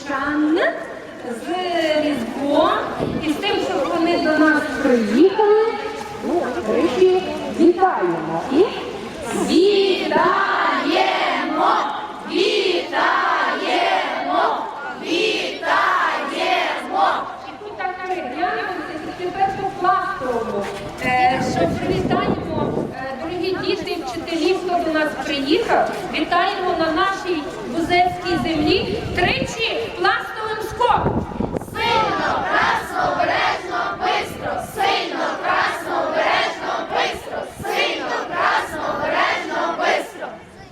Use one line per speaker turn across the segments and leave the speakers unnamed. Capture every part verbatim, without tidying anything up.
львів'ян з Різдвом і з тим, що вони до нас приїхали. Ну, речі, вітаємо. І вітаємо! Вітаємо! Вітаємо! І тут так переглянемося з Петропластовому, що привітаємо, дорогі діти і вчителі, хто до нас приїхав. Вітаємо на нашій Бузецькій землі тричі пластовим скоком.
Сильно, красно, обережно, бистро, сильно, красно, обережно, бистро, сильно, красно, обережно, бистро.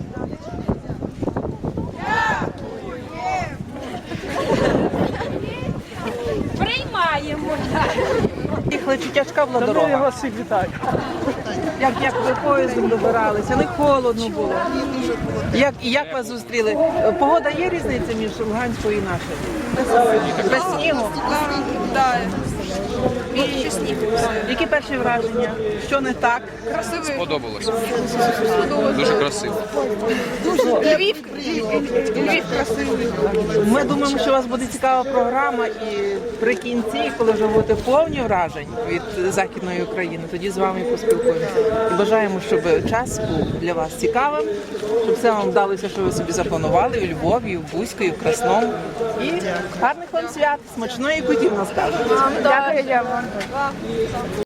Приймаємо.
Їхали, чи тяжка була дорога?
Я вас всіх вітаю.
Як, як ви поїздом добиралися? Не холодно було? Як, і як вас зустріли? Погода є різниця між Луганською і нашою? Без снігу?
Так, більше снігу.
Які перші враження? Що не так?
Красивий.
Сподобалось. Дуже красиво.
Львів, Львів красивий.
Ми думаємо, що у вас буде цікава програма, і при кінці, коли вже будете повні вражень від Західної України, тоді з вами поспілкуємося. І бажаємо, щоб час був для вас цікавим, щоб все вам вдалося, що ви собі запланували у Львові, і в Бузьку, і в Красному. І гарних вам свят, смачної кутів нас кажуть.
Дякую вам.